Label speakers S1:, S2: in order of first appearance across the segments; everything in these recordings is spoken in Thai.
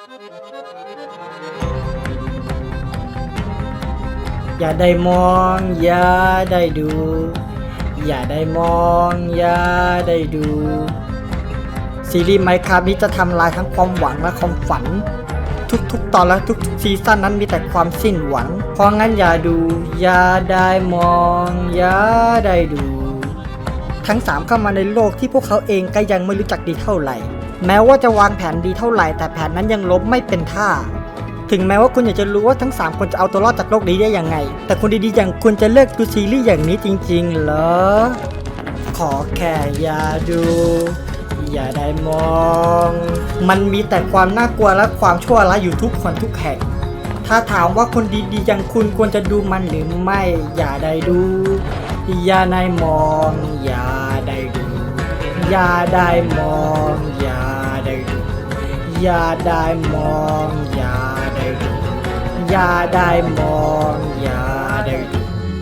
S1: อย่าได้มองอย่าได้ดู อย่าได้มองอย่าได้ดูซีรีส์ไมค์ครับนี้จะทำลายทั้งความหวังและความฝันทุกตอนและทุกซีซั่นนั้นมีแต่ความสิ้นหวังเพราะงั้นอย่าดูอย่าได้มองอย่าได้ดูทั้ง3เข้ามาในโลกที่พวกเขาเองก็ยังไม่รู้จักดีเท่าไหร่แม้ว่าจะวางแผนดีเท่าไหร่แต่แผนนั้นยังล้มไม่เป็นท่าถึงแม้ว่าคุณอยากจะรู้ว่าทั้ง3คนจะเอาตัวรอดจากโลกนี้ได้ยังไงแต่คนดีๆอย่างคุณจะเลิกดูซีรีส์อย่างนี้จริงๆเหรอขอแค่อย่าดูอย่าได้มองมันมีแต่ความน่ากลัวและความชั่วร้ายอยู่ทุกคนทุกแห่งถ้าถามว่าคนดีๆอย่างคุณควรจะดูมันหรือไม่อย่าได้ดูอย่าได้มองอย่าได้ดูอย่าได้มองอย่าได้ดูอย่าได้มองอย่าได้ดูอย่าได้มองอย่าได้ดู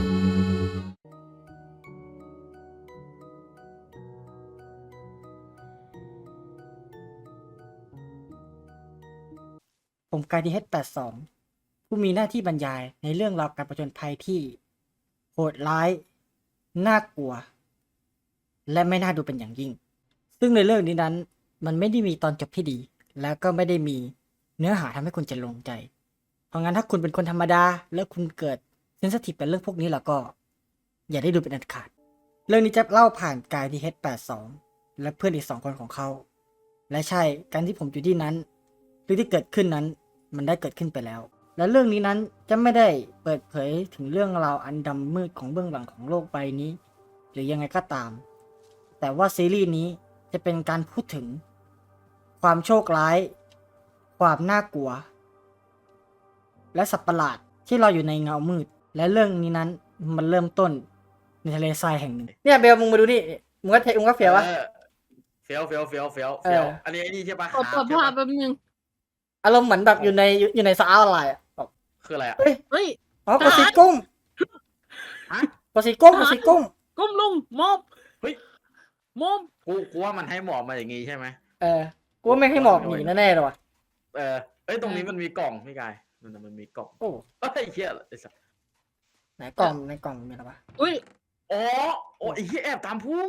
S1: ผมกายดีH82ผู้มีหน้าที่บรรยายในเรื่องราวการผจญภัยที่โหดร้ายน่ากลัวและไม่น่าดูเป็นอย่างยิ่งซึ่งในเรื่องนี้นั้นมันไม่ได้มีตอนจบที่ดีแล้วก็ไม่ได้มีเนื้อหาทำให้คุณจะลงใจเพราะงั้นถ้าคุณเป็นคนธรรมดาแล้วคุณเกิดเซนซิทีฟกับเรื่องพวกนี้แล้วก็อย่าได้ดูเป็นอันขาดเรื่องนี้จะเล่าผ่านกายดีH82และเพื่อนอีก2 คนของเขาและใช่การที่ผมอยู่ที่นั้นหรือที่เกิดขึ้นนั้นมันได้เกิดขึ้นไปแล้วและเรื่องนี้นั้นจะไม่ได้เปิดเผยถึงเรื่องราวอันดำมืดของเบื้องหลังของโลกใบนี้หรือยังไงก็ตามแต่ว่าซีรีส์นี้จะเป็นการพูดถึงความโชคร้ายความน่ากลัวและสัตว์ประหลาดที่รออยู่ในเงามืดและเรื่องนี้นั้นมันเริ่มต้นในทะเลทรายแห่งหนึ่งเนี่ยเบลมึงมาดูนี่มึงก็เฟี้ยววะ
S2: เฟี้ยวอันนี้ไอ้นี่ใช่ปะ
S3: ขอเปิดภาพแป๊บนึง
S1: อารมณ์เหมือนแบบอยู่ในสาระอะไรอ่ะแบบ
S2: คืออะไรอ่ะ
S1: เฮ้ย
S3: เฮ้ย
S1: อ๋อกดสีกุ้ง
S2: ฮะ
S1: กดสีกุ้งกดสีกุ้ง
S3: ก้มลงมอบ
S2: เฮ้ย
S3: มอบ
S2: กูว่ามันให้หมอบมาอย่างงี้ใช่ไหม
S1: กูว่าไม่ให้หมอกหนีแน่ๆเลยว่ะ
S2: เอ้ยตรงนี้มันมีกล่องพี่กายมันมีกล่อง
S1: โอ้
S2: เฮ้ยเหี้ยไอ้สัส
S1: ไหนกล่องในกล่องมีอะไรวะ
S3: อุ้ย
S2: อ๋อโอ้ไอ้เหี้ยแอบตามพุ่ง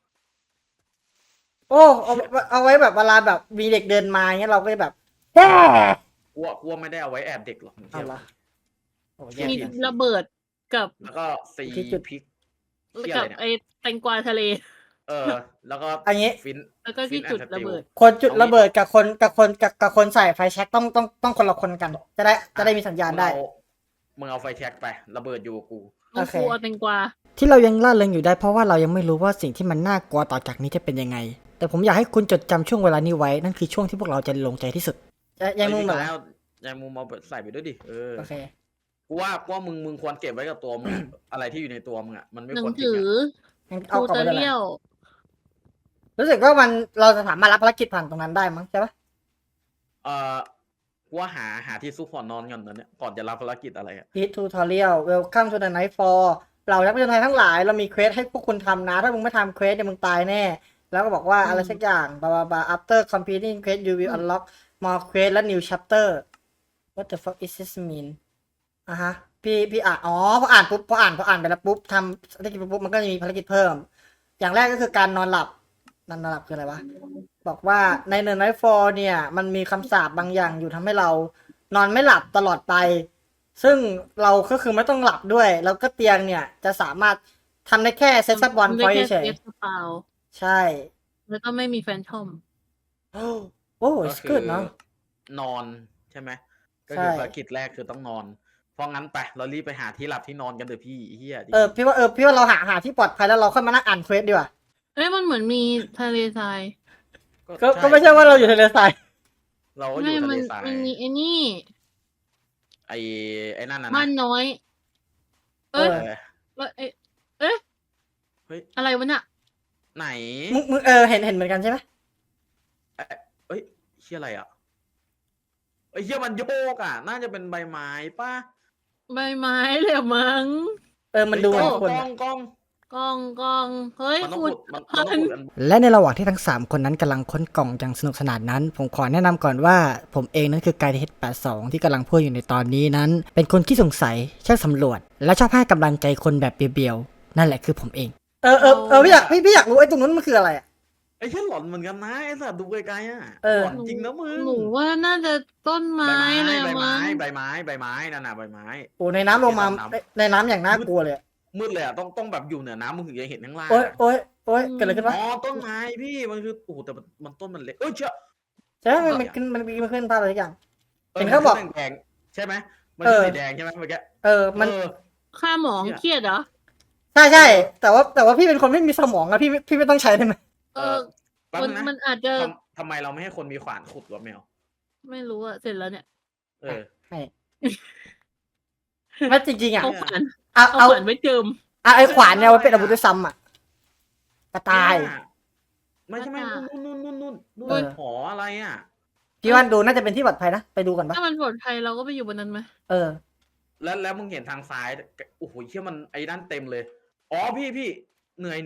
S1: โอ้เอาไว้แบบเวลาแบบมีเด็กเดินมาเงี้ยเราก็จะแบบ
S2: กูว่าไม่ได้เอาไว้แอบเด็กหรอก
S1: เอาละโอ้
S3: มี
S1: แย่
S3: ระเบิดกับ
S2: แล้วก็ซี
S1: ที่จุด
S2: พริกเหี้ย
S3: กั
S2: อะ
S3: บ
S2: ไรเนี่ย
S3: ไอแตงกวาทะเล
S2: แล้วก็
S1: อันนี้
S2: ฟิน
S3: แล้วก็ที่จุดระเบิด
S1: คนจุดระเบิดกับคนใส่ไฟแช็กต้องคนละคนกัน จะได้มีสัญญาณได้
S2: มึงเอาไฟแช็กไประเบิดอยู่กับกู
S3: น้องครูเอาแตงกวา
S1: ที่เรายังล่าเริงอยู่ได้เพราะว่าเรายังไม่รู้ว่าสิ่งที่มันน่ากลัวต่อจากนี้จะเป็นยังไง แต่ผมอยากให้คุณจดจำช่วงเวลานี้ไว้นั่นคือช่วงที่พวกเราจะลงใจที่สุดยังมุมเหรอ
S2: ยังมุมเอาใส่ไปด้วยดิ
S1: โอเค
S2: กูว่ามึงควรเก็บไว้กับตัวมึง อะไรที่อยู่ในตัวมึงอ่ะมันไม่
S3: หนั
S2: ค
S3: ง
S2: วรทิ้
S3: สื
S2: ง
S3: อ
S2: อ่ะ
S3: ทู
S1: เอากลับ
S3: เต
S1: ไป
S3: อ
S1: เลย
S3: เรียล
S1: รู้สึกว่าเราจะสามารถรับภารกิจผ่านตรงนั้นได้มั้งใช่ปะ
S2: กูว่าหาที่ซุกหัวนอนก่อนตอนเนี้ยก่อนจะรับภารกิจอะไรอ่ะ
S1: Hit Tutorial Welcome to the Nightfall เรานักผจญภัยทั้งหลายเรามีเควสให้พวกคุณทำนะถ้ามึงไม่ทำเควสเนี่ยมึงตายแน่แล้วก็บอกว่าอะไรสักอย่างบาบา after completing quest you will unlock more quest และ new chapter what the fuck is this mean ฮะพี่อ่านพออ่านไปแล้วปุ๊บทำภารกิจปุ๊บมันก็จะมีภารกิจเพิ่มอย่างแรกก็คือการนอนหลับคืออะไรวะบอกว่าใน The Nightfall เนี่ยมันมีคำสาปบางอย่างอยู่ทำให้เรานอนไม่หลับตลอดไปซึ่งเราก็คือไม่ต้องหลับด้วยแล้วก็เตียงเนี่ยจะสามารถทำได้แค่เซตซับบอลพอยเฉย ใช่
S3: แล้วก็ไม่มีแฟนทอม
S1: โอ้สกูดเนาะ
S2: นอนใช่ไหมก็
S1: ใช่
S2: คือภารกิจแรกคือต้องนอนเพราะงั้นไปเรารีบไปหาที่หลับที่นอนกันเถอะพี่เฮีย
S1: พี่ว่าเราหาที่ปลอดภัยแล้วเราค่อยมานั่งอ่านเควสดีกว่า
S3: เอ้ยมันเหมือนมีทะเลทราย
S1: ก็ไม่ใช่ว่าเราอยู่ทะเลทราย
S2: เราก็อยู่ทะเลทราย
S3: มันมีไอ้นี่
S2: ไอ้นั่นนะ
S3: บ้านน้อย เอ้ย
S2: เออ
S3: เอ๊ะ
S2: เฮ้ย
S3: อะไรวะเนี่ย
S2: ไหน
S1: มึงเห็นเหมือนกันใช่ไหม
S2: เอ้ยเฮียอะไรอ่ะไอ้เฮียมันโยกอ่ะน่าจะเป็นใบไม้ป่ะ
S3: ใบไม้เลยมั้ง
S1: มันดูเหมือนคน
S2: กล้อง
S3: กล้องเฮ้ย
S2: มันต้อง
S3: ขุ
S2: ขุ
S3: ด
S2: ดมันต้องขุดอัน
S1: และในระหว่างที่ทั้ง 3 คนนั้นกำลังค้นกล่องอย่างสนุกสนานนั้น ผมขอแนะนำก่อนว่าผมเองนั้นคือกายเทส82ที่กำลังพูดอยู่ในตอนนี้นั้น เป็นคนขี้สงสัยช่างสำรวจ และชอบให้กำลังใจคนแบบเบียวๆนั่นแหละคือผมเองพี่อยากรู้ไอ้ตรงนั้นมันคืออะไรอ่ะ
S2: ไอ้เหี้ยหลอนเหมือนกันนะไอ้สัตว์ดูไกลๆอ่ะ
S1: เออ
S2: หลอนจริงนะมึง
S3: หนูว่าน่าจะต้นไม้
S2: ใบ
S3: อะไร
S2: ไม้
S3: มั้ง
S2: ใบไม้นั่นน่ะใบไม้
S1: โอ้ในน้ำลงมาในน้ำอย่างน่ากลัวเลย
S2: มืดเลยอ่ะต้องแบบอยู่เหนือน้ำมึงถึงจะเห็นข้างล่าง
S1: โอ๊ยเกิดอะไรขึ้นวะ
S2: อ๋อต้นไม้พี่มันคือโอ้โหแต่มันต้นมันเล็กเอ้ยเชื่อ
S1: ใช่ไหมมันขึ้นภาพอะไรสักอย่าง
S2: เออ
S1: เห็นเขาบอก
S2: มันขึ้นแดงๆใช่ไหมมันขึ้นสีแดงใช่ไหมเมื่อกี้
S1: มัน
S2: เออ
S3: ค่าหมองเครียดเหรอ
S1: ใช่แต่ว่าพี่เป็นคนไม่มีสมองอะพี่ไม่ต้องใช้ได้ไหม
S3: เออ
S2: แป๊บ
S3: มัน
S2: นึงนะ
S3: มันอาจจะ
S2: ทำไมเราไม่ให้คนมีขวานขุดวะแมว
S3: ไม่รู้อะเสร็จแล้วเนี่ย
S2: เออ
S1: ไม่จริงๆอะ
S3: เอาขวาน
S1: เอา
S3: เอาขวานไว้เจิม
S1: ไอ้ขวานเนี่ยมันเป็นอาวุธด้วยซ้ำอะกระตาย
S2: ไม่ใช่ไม่นู่น
S1: เออ
S2: หออะไรอ่ะ
S1: พี่ว่าดูน่าจะเป็นที่ปลอดภัยนะไปดูก่อนปะ
S3: ถ้ามันปลอดภัยเราก็ไปอยู่บนนั้นไหม
S1: เออ
S2: แล้วมึงเห็นทางซ้ายโอ้โหเชี่ยมันไอ้ด้านเต็มเลยอ๋อพี่เหนื่อย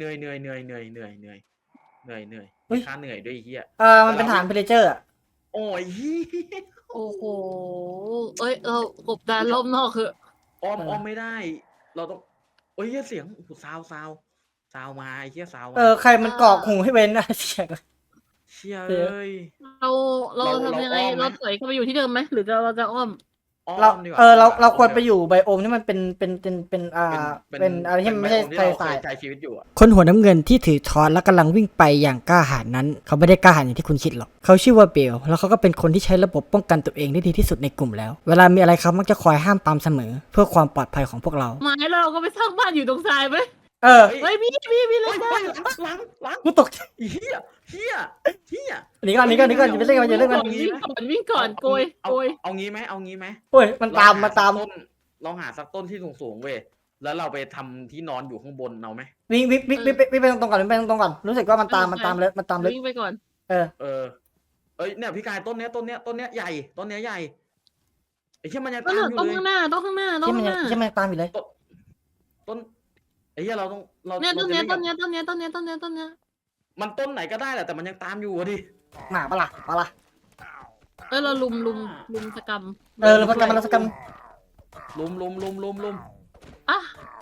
S2: มีค่าเหนื่อยด้วยไอ้เฮีย
S1: มันเป็นฐานเพลเจอร์อะ
S2: โอ้ยเฮีย
S3: โอ้โหเอ้ยเรากบดานรอบนอกคือ
S2: อ้อมไม่ได้ เราต้องโอ้ยเฮียเสียงโอ้โหซาวมาไอ้เฮียซาวมา
S1: ใครมันกรอกหูให้เว้นอะเสียง
S2: เชี่ยเอ้ย
S3: เราทำยังไง
S2: เราอ้อมไหม
S3: เราถอยเข้าไปอยู่ที่เดิมไหมหรือเราจะอ้อม
S1: เรา
S2: ดีกว่
S1: เราควรไปอยู่ไบโอมที่มันเป็นเป็นอะไรที่มันไม่ใช่
S2: เป็น
S1: ทะเล
S2: ที่
S1: ทราย
S2: ใช้ชีวิตอยู่อะ
S1: คนหัวน้ำเงินที่ถือช้อนและกำลังวิ่งไปอย่างกล้าหาญนั้น เขาไม่ได้กล้าหาญอย่างที่คุณคิดหรอกเขาชื่อว่าเบลแล้วเขาก็เป็นคนที่ใช้ระบบป้องกันตัวเองได้ดีที่สุดในกลุ่มแล้ว เวลามีอะไรเขามักจะคอยห้ามปรามเสมอ เพื่อความปลอดภัยของพวกเรา
S3: ไม้แล้วเราก็ไปสร้างบ้านอยู่ตรงทรายไหม
S1: เออ
S3: เฮ้ยพี่เล
S2: เฮ้
S3: ย
S2: ย
S3: นะ
S2: หลัง
S1: กูตก
S2: เฮีย
S1: หนีก่อนอย่าไปเล่นกันอย่าเล่นกัน
S3: วิ่งก่อนโกย
S2: เอางี้ไหม
S1: โอ้ยมันตาม
S2: เราหาสักต้นที่สูงเว้ยแล้วเราไปทำที่นอนอยู่ข้างบนเอาไหม
S1: วิ่งไปตรงก่อนไปตรงก่อนรู้สึกว่ามันตามเลย
S3: วิ่งไปก่อน
S2: เอ้ยเนี่ยพี่กายต้นเนี้ยใหญ่ต้นเนี้ยใหญ่ไอ้เชี่ยมันยัง
S3: ต้
S2: ตามอยู่
S3: อง
S2: เลย
S3: ข้างหน้าต้องข้างหน้า
S1: ที่มันตามอยู่เลย
S2: ต้นไอ้เหี้ยเราต้องเรา
S3: เนี่ยต้นเนี้ย
S2: รา
S3: ต้
S2: จะ
S3: น
S2: เล่
S3: เนี้ยต้นเนี้ยต้นเนี้ยต้นเนี้ยต้นเนี้ย
S2: มันต้นไหนก็ได้แหละแต่มันยังตามอยู่อะดิ
S1: หมาปะล่ะ
S3: เราลุมสกรรม
S1: แล้วมันสกัม
S2: ลุม
S3: อ่ะ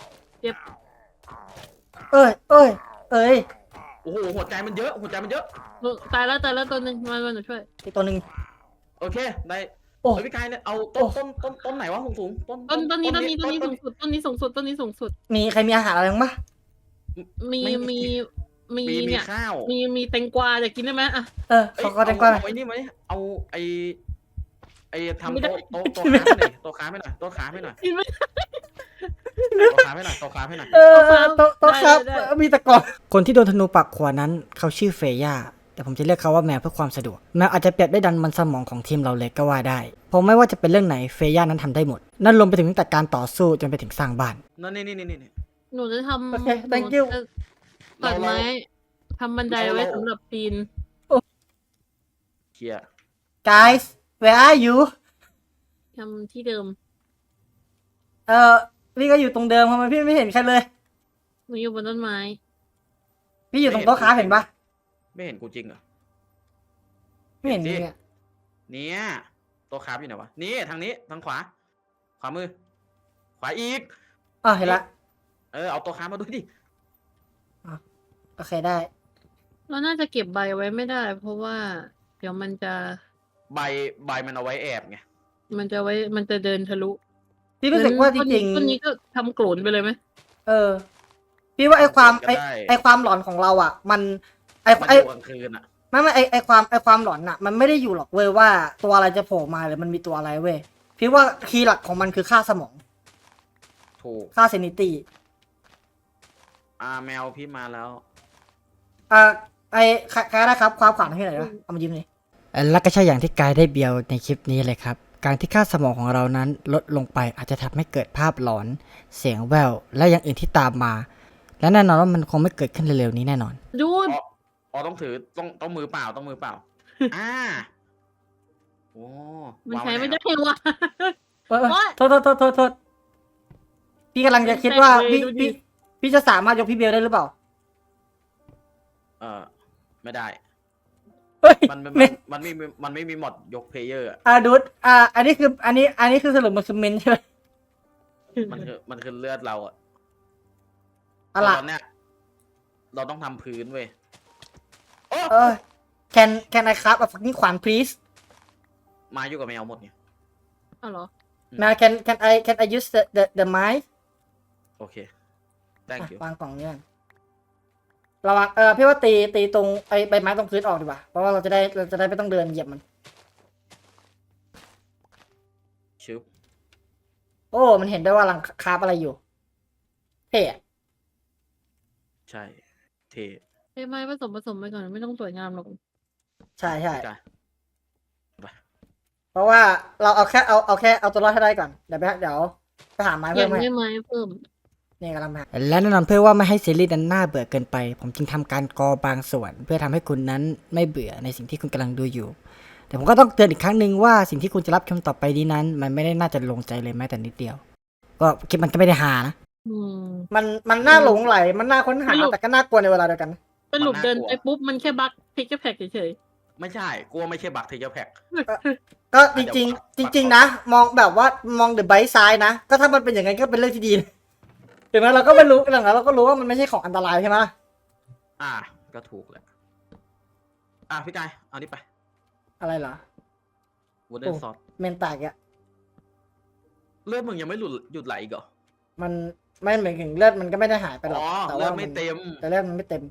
S1: เอ้ย
S2: โอ้โหหัวใจมันเยอะ
S3: ตายแล้วตัวหนึ่งมาหนูช่วย
S1: อีกตัวหนึ่ง
S2: โอเคได้
S1: โอ้
S2: เฮ้ยพี่กายเนี่ยเอาต้นไหนวะสูง
S3: ต้นนี้สูงสุดต้นนี้สูงสุด
S1: มีใครมีอาหารอะไรบ้างปะ
S3: มี
S2: มี
S3: เนี่ย
S2: ข้าว
S3: มีแตงกวาจะกินได้ไหมอ่ะ
S1: เขาแตงกวา
S2: เอาไอ้นี่ไหมเอาไอ้ทำโต๊ะค้าให้หน่อยโต๊ะค้าให้หน่อย
S3: กินไม่
S2: โต๊ะค้าให้หน่อย
S1: โต๊ะครับมีตะกอนคนที่โดนธนูปักขวานั้นเขาชื่อเฟย่าแต่ผมจะเรียกเขาว่าแมวเพื่อความสะดวกแมวอาจจะเปรียบได้ดันมันสมองของทีมเราเลยก็ว่าได้เพราะไม่ว่าจะเป็นเรื่องไหนเฟย่านั้นทำได้หมดนั่นรวมไปถึงตั้งแต่การต่อสู้จนไปถึงสร้างบ้าน
S2: นั่นนี่
S3: หนูจะทำ
S1: โอเค thank you
S3: ตัดไม้ทำบันไดไว้สำหรับปีน
S2: เคลียร์
S1: guys where are you
S3: ทำที่เดิม
S1: พี่ก็อยู่ตรงเดิมทำไมพี่ไม่เห็นใครเลย
S3: หนูอยู่บนต้นไม้
S1: พี่อยู่ตรงโต๊ะค้าเห็นปะ
S2: ไม่เห็นกูจริงเหรอ
S1: ไม่เห็นเนี่ย
S2: เนี่ยโต๊ะค้าอยู่ไหนวะนี่ทางนี้ทางขวามือขวาอีก
S1: เห็นละ
S2: เอาโต๊ะค้ามาด้วยดิ
S1: โอเคได้
S3: เราน่าจะเก็บใบไว้ไม่ได้ เพราะว่า เดี๋ยวมันจะ
S2: ใบมันเอาไว้แอบไง
S3: มันจะเดินทะลุ
S1: พี่รู้สึกว่าจริง
S3: ต้นนี้ก็ทำโกรนไปเลยไหม
S1: ๆพี่ว่าไอความหลอนของเราอ่ะ มัน
S2: มันอยู่กลางคืนอ่ะ
S1: ไม่ไอความหลอนอ่ะ มันไม่ได้อยู่หรอกเว้ยว่าตัวอะไรจะโผล่มาหรือมันมีตัวอะไรเว้ยพี่ว่าคีย์หลักของมันคือค่าสมอง
S2: ถูก
S1: ค่าเซนิตี้
S2: แมวพี่มาแล้ว
S1: ใครได้ครับความขวัญให้หน่อยนะเอามายิ้มเลยและก็ใช่อย่างที่กายได้เบียวในคลิปนี้เลยครับการที่ค่าสมองของเรานั้นลดลงไปอาจจะทำให้เกิดภาพหลอนเสียงแว่วและอย่างอื่นที่ตามมา และแน่นอนว่ามันคงไม่เกิดขึ้นเร็วๆนี้แน่นอน
S3: ดู
S2: ต้องถือต้องมือเปล่าโอ้
S3: มันใช้ไม่ได้วะ
S1: โทษพี่กำลังจะคิดว่าพี่จะสามารถยกพี่เบลได้หรือเปล่า
S2: ไม่ได้
S1: เฮ้ย
S2: มันไม่มีมอดยกเพลเยอร์อะ
S1: ดูดอันนี้คือสรุปมันคือเมนใช่ไหม
S2: มันคือเลือดเราอะ
S1: อะไร
S2: ตอนเนี้ยเราต้องทำพื้นเว้ย
S1: can I craft a fucking ขวาน please
S2: มาอยู่กับแมวหมดเนี่ย
S3: อ้าวเหรอ
S1: มา can I use the ไม้
S2: โอเค thank you
S1: วางกล่องนี้ก่อนระวังพี่ว่าตีตรงไอ้ใบไม้ตรงพื้นออกดีกว่าเพราะว่าเราจะได้ไม่ต้องเดินเหยียบมัน
S2: ชึบ
S1: โอ้มันเห็นได้ว่ากำลังคราฟอะไรอยู่เท่อะ
S2: ใช่ เท
S3: ใช่ไหมผสมไปก่อนไม่ต้องสวยงามหรอก
S1: ใช่
S2: ไป
S1: เพราะว่าเราเอาแค่เอาตัวรอดให้ได้ก่อนเดี๋ยวไปหาไม้
S3: อ
S1: เพิ่
S3: ยาม ก
S1: ให้
S3: ได้ไม้เพิ่ม
S1: นี่กำลังหาและแน่นอนเพื่อว่าไม่ให้ซีรีส์นั้นน่าเบื่อเกินไป ผมจึงทำการกอบางส่วน เพื่อทำให้คุณนั้นไม่เบื่อในสิ่งที่คุณกำลังดูอยู่ แต่ผมก็ต้องเตือนอีกครั้งหนึ่งว่าสิ่งที่คุณจะรับชมต่อไปนี้นั้น มันไม่ได้น่าจะลงใจเลยแม้แต่นิดเดียว ก็คลิปมันก็ไม่ได้หานะ
S3: อืม
S1: มันน่าหลงไหลมันน่าค้นหาแต่ก็น่ากลัวในเวลาเดียวกัน
S3: สรุปเดินไปปุ๊บมันแค่บั๊กพิกแพคเฉย
S2: ไม่ใช่กลัวไม่ใช่บักเทเจอร์แพ็ก
S1: ก็จริงนะมองแบบว่ามองเดอะไบต์ซ้ายนะก็ถ้ามันเป็นอย่างนั้นก็เป็นเรื่องที่ดีนะถึงแม้เราก็ไม่รู้หลังๆเราก็รู้ว่ามันไม่ใช่ของอันตรายใช่ไหม
S2: ก็ถูกแหละพี่กายเอานี่ไป
S1: อะไรเหรอ
S2: วูดเดนซอส
S1: เมนแตกอะ
S2: เลือดมึงยังไม่หยุดไหลอีกเหรอ
S1: มันไม่เหมือนถึงเลือดมันก็ไม่ได้หายไปหรอกแต่
S2: เลือ
S1: ว่า
S2: ดไม่เต็ม
S1: แต่เลือดมันไม่เต็ม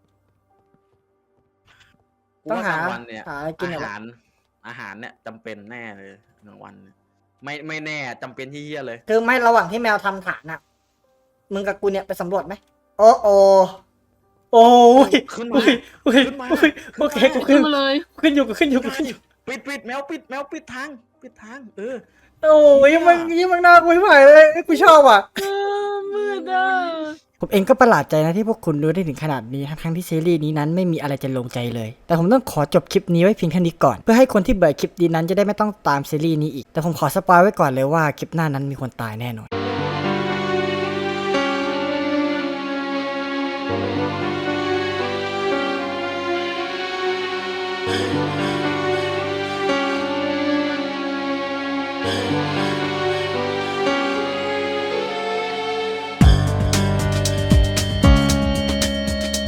S1: ต้องหา
S2: กลางวันเนี่ย
S1: หาอะไรกิน
S2: อา
S1: เหรอ
S2: หารเนี่ยจำเป็นแน่เลยกลางวันเนี่ยไม่แน่จำเป็นที่เหี้ยเลย
S1: คือไม่ระหว่างที่แมวทำฐานอะมึงกับกูเนี่ยไปสำรวจไหมโอ้ย
S2: ขึ้นมา ขึ้นมา
S1: โอเคกู
S3: ๆ
S1: ขึ้
S3: ขึ้
S1: น
S3: นมาเลย
S1: ขึ้นอยู่
S2: ปิดแมวปิดทาง
S1: โอ้ยมันน่ากลัวไม่ไหวเลยกูชอบอ่ะ
S3: มืดอ่ะ
S1: ผมเองก็ประหลาดใจนะที่พวกคุณรู้ได้ถึงขนาดนี้ทั้งที่ซีรีส์นี้นั้นไม่มีอะไรจะลงใจเลย แต่ผมต้องขอจบคลิปนี้ไว้เพียงแค่นี้ก่อนเพื่อให้คนที่เบื่อคลิปนี้นั้นจะได้ไม่ต้องตามซีรีส์นี้อีกแต่ผมขอสปอยไว้ก่อนเลยว่าคลิปหน้านั้นมีคนตายแน่นอน